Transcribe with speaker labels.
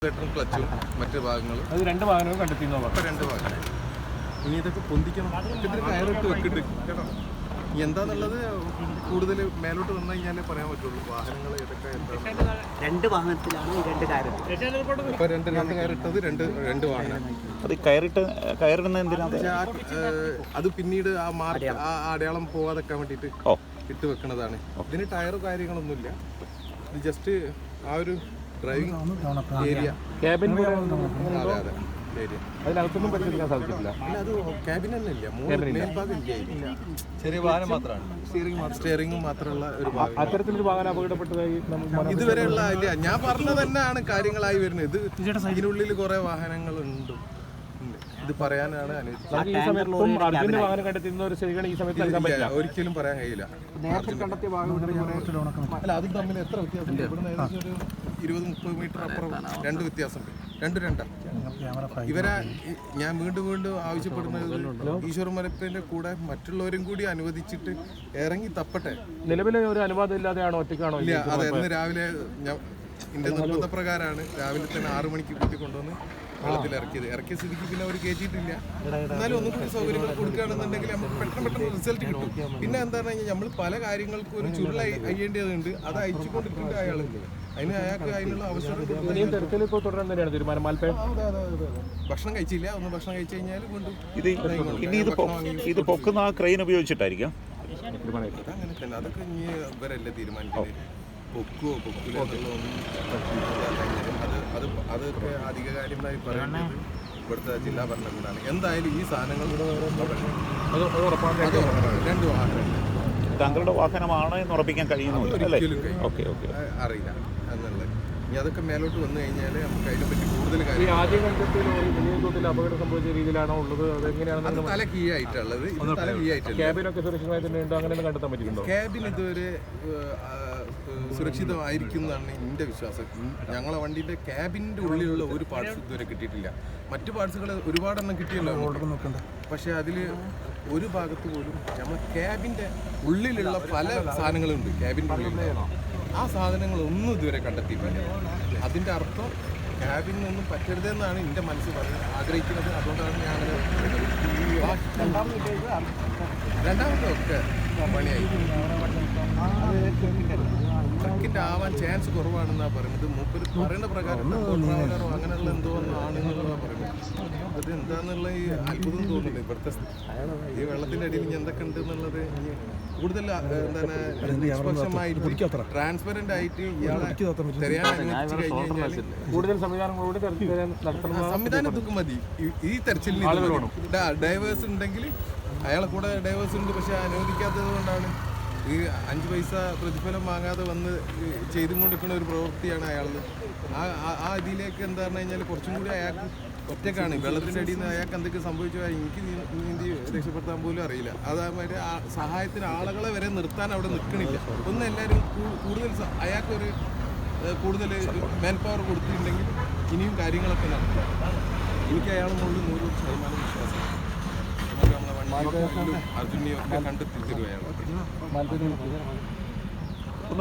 Speaker 1: ക്ലച്ചും മറ്റു ഭാഗങ്ങളും
Speaker 2: അത് രണ്ട് ഭാഗങ്ങളും കണ്ടെത്തിയെന്ന് പറഞ്ഞു.
Speaker 1: രണ്ട് ഭാഗങ്ങൾ ഇനി ഇതൊക്കെ പൊന്തിക്കണം. ഇതിന് കയറിട്ട് വെക്കിട്ട് കേട്ടോ. എന്താന്നുള്ളത് കൂടുതൽ മേലോട്ട് വന്നു കഴിഞ്ഞാലേ പറയാൻ പറ്റുള്ളൂ. വാഹനങ്ങൾ ഏതൊക്കെ
Speaker 3: രണ്ട് വാഹനത്തിലാണ് ഈ രണ്ട് കയറ്.
Speaker 1: ഇപ്പൊ രണ്ട് കയറിട്ടത് രണ്ട് വാഹനം.
Speaker 4: അത് കയറിടുന്ന എന്തിനാണ്?
Speaker 1: അത് പിന്നീട് ആ മാർക്ക് ആ അടയാളം പോവാതെക്കാൻ വേണ്ടിയിട്ട് ഇട്ട് വെക്കണതാണ്. ഇതിന് ടയർ കാര്യങ്ങളൊന്നുമില്ല. ഇത് ജസ്റ്റ് ആ ഒരു ഡ്രൈവിംഗ് ഏരിയ,
Speaker 2: ക്യാബിൻ
Speaker 1: അതെ അതെ ഏരിയ.
Speaker 2: അതിനകത്തൊന്നും പരിശോധിക്കാൻ സാധിച്ചിട്ടില്ല.
Speaker 1: അല്ല, അത് ക്യാബിൻ തന്നെ ഇല്ല, മേൽഭാഗം ഇല്ല.
Speaker 5: ചെറിയ വാഹനം മാത്രമാണ്,
Speaker 1: സ്റ്റിയറിംഗും മാത്രമുള്ള ഒരു ഭാഗം.
Speaker 2: അത്തരത്തിലൊരു വാഹനം അപകടപ്പെട്ടതായി
Speaker 1: ഇതുവരെയുള്ള ഇല്ല. ഞാൻ പറഞ്ഞത് തന്നെയാണ് കാര്യങ്ങളായി വരുന്നത്. ഇതിനുള്ളിൽ കുറെ വാഹനങ്ങളുണ്ട്. ഇത് പറയാനാണ്
Speaker 2: ഈ സമയത്തും അർജുന്റെ വാഹനം കണ്ടെത്തുന്ന ഒരു ശരിയാണ് ഈ സമയത്ത് നൽകാൻ പറ്റില്ല.
Speaker 1: ഒരിക്കലും പറയാൻ കഴിയില്ല. അല്ല, അതും തമ്മിൽ എത്ര വ്യത്യാസം? ഇവിടുന്ന് ഏകദേശം ഒരു 20-30 മീറ്റർ അപ്പുറം രണ്ട് വ്യത്യാസമുണ്ട്. രണ്ടാ ഇവരെ ഞാൻ വീണ്ടും ആവശ്യപ്പെടുന്നത് ഈശ്വർ മരപ്പിന്റെ കൂടെ മറ്റുള്ളവരും കൂടി അനുവദിച്ചിട്ട് ഇറങ്ങി തപ്പട്ടെ.
Speaker 2: നിലവിലെ ഒരു അനുവാദം ഇല്ലാതെയാണോ, ഒറ്റയ്ക്കാണോ?
Speaker 1: ഇല്ല, അതെ. ഇന്ന് രാവിലെ എന്റെ നിർബന്ധപ്രകാരമാണ് രാവിലെ തന്നെ 6 മണിക്ക് കൂട്ടി കൊണ്ടുവന്ന് വെള്ളത്തിൽ ഇറക്കിയ സ്ഥിതിക്ക് പിന്നെ അവർ കയറ്റിയിട്ടില്ല. എന്നാലും ഒന്നും കൂടി സൗകര്യങ്ങൾ കൊടുക്കുകയാണെന്നുണ്ടെങ്കിൽ നമുക്ക് പെട്ടെന്ന് റിസൾട്ട് കിട്ടും. പിന്നെ എന്താണെന്ന് കഴിഞ്ഞാൽ നമ്മൾ പല കാര്യങ്ങൾക്കും ഒരു ചുരുള അയ്യേണ്ടതുണ്ട്. അത് അയച്ചുകൊണ്ടിരിക്കേണ്ട അയാളുണ്ട്. അയാൾക്ക് അതിനുള്ള അവസരം
Speaker 2: തുടരാൻ തന്നെയാണ് തീരുമാനം.
Speaker 1: ഭക്ഷണം കഴിച്ചില്ല. ഭക്ഷണം കഴിച്ചു കഴിഞ്ഞാൽ
Speaker 4: ഇത് പൊക്കുന്ന ആ ക്രെയിൻ ഉപയോഗിച്ചിട്ടായിരിക്കും.
Speaker 1: അങ്ങനെ തന്നെ. അതൊക്കെ ഇനി ഇവരല്ലേ തീരുമാനിക്കുന്നത്. പൊക്കില്ല എന്നുള്ളതൊന്നും അതൊക്കെ അധികാരികമായി പറയേണ്ടത് ഇവിടുത്തെ ജില്ലാ ഭരണകൂടമാണ്. എന്തായാലും ഈ സാധനങ്ങൾ രണ്ട് വാഹനം
Speaker 4: താങ്കളുടെ വാഹനമാണ് എന്ന് ഉറപ്പിക്കാൻ കഴിയുന്നുണ്ട്.
Speaker 1: അറിയില്ല എന്നുള്ളത്. ഇനി അതൊക്കെ മേലോട്ട് വന്നു കഴിഞ്ഞാൽ നമുക്ക് അതിനെപ്പറ്റി കൂടുതൽ കാര്യം.
Speaker 2: ആദ്യം കണ്ടെത്തിയ അപകടം സംഭവിച്ച രീതിയിലാണോ ഉള്ളത്? അതെങ്ങനെയാണ്
Speaker 1: തല കീ ആയിട്ടുള്ളത്?
Speaker 2: ക്യാബിനൊക്കെ സുരക്ഷിതമായി തന്നെ ഉണ്ടോ? അങ്ങനെ കണ്ടെത്താൻ പറ്റിയിട്ടുണ്ടോ?
Speaker 1: ക്യാബിൻ ഇതുവരെ സുരക്ഷിതമായിരിക്കും എന്നാണ് എൻ്റെ വിശ്വാസം. ഞങ്ങളെ വണ്ടിയുടെ ക്യാബിൻ്റെ ഉള്ളിലുള്ള ഒരു പാർട്സ് ഇതുവരെ കിട്ടിയിട്ടില്ല. മറ്റു പാർട്സുകൾ ഒരുപാടെണ്ണം കിട്ടിയല്ലോ. പക്ഷേ അതിൽ ഒരു ഭാഗത്ത് പോലും നമ്മൾ ക്യാബിൻ്റെ ഉള്ളിലുള്ള പല സാധനങ്ങളുണ്ട്. ക്യാബിൻ്റെ ഉള്ളിൽ ആ സാധനങ്ങളൊന്നും ഇതുവരെ കണ്ടെത്തിയിട്ടില്ല. അതിൻ്റെ അർത്ഥം ക്യാബിനൊന്നും പറ്റരുതെന്നാണ് എൻ്റെ മനസ്സ് ആഗ്രഹിക്കുന്നത്. അതുകൊണ്ടാണ് ഞാൻ രണ്ടാമത്തെ ഒക്കെ പണിയായി. ട്രക്കിൻ്റെ ആവാൻ ചാൻസ് കുറവാണെന്നാണ് പറയുന്നത്. മൂപ്പര് പറയുന്ന പ്രകാരം ട്രാവലറോ അങ്ങനെയുള്ള എന്തോ ആണെന്നുള്ളതാണ് പറയുന്നത്. അത് എന്താണെന്നുള്ള ഈ അത്ഭുതം തോന്നുന്നുണ്ട്. ഇവിടുത്തെ ഈ വെള്ളത്തിൻ്റെ അടിയിൽ ഇനി എന്തൊക്കെ ഉണ്ട് എന്നുള്ളത് കൂടുതൽ എന്താണ് നിഷ്പക്ഷമായിട്ട് ട്രാൻസ്പെറന്റ് ആയിട്ട് ഇയാളെ തെരയാൻ അനുവദിച്ചു കഴിഞ്ഞു കഴിഞ്ഞാൽ
Speaker 2: കൂടുതൽ
Speaker 1: സംവിധാനം ഇതൊക്കെ മതി. ഈ തെരച്ചിലിന് ഡൈവേഴ്സ് ഉണ്ടെങ്കിൽ അയാളെ കൂടെ ഡൈവേഴ്സ് ഉണ്ട്. പക്ഷെ അനുവദിക്കാത്തത് കൊണ്ടാണ് ഈ 5 പൈസ പ്രതിഫലം വാങ്ങാതെ വന്ന് ചെയ്തും കൊണ്ടിരിക്കുന്ന ഒരു പ്രവൃത്തിയാണ് അയാളത്. ആ ഇതിലേക്ക് എന്താ പറഞ്ഞു കഴിഞ്ഞാൽ കുറച്ചും കൂടി അയാൾക്ക് ഒറ്റക്കാണ്. വെള്ളത്തിൻ്റെ അടിയിൽ നിന്ന് അയാൾക്ക് എന്തൊക്കെ സംഭവിച്ചാൽ എനിക്ക് നീന്തി രക്ഷപ്പെടുത്താൻ പോലും അറിയില്ല. അതേമാതിരി സഹായത്തിന് ആളുകളെ വരെ നിർത്താൻ അവിടെ നിൽക്കണില്ല. ഒന്ന് എല്ലാവരും കൂടുതൽ അയാൾക്കൊരു കൂടുതൽ മാൻ പവർ കൊടുത്തിട്ടുണ്ടെങ്കിൽ ഇനിയും കാര്യങ്ങളൊക്കെ നടക്കും. എനിക്ക് അയാളെ മുകളിൽ 100% വിശ്വാസം. നമുക്ക് നമ്മളെ വണ്ടിയൊക്കെ അർജുനെയൊക്കെ കണ്ടെത്തിത്തരും അയാൾ.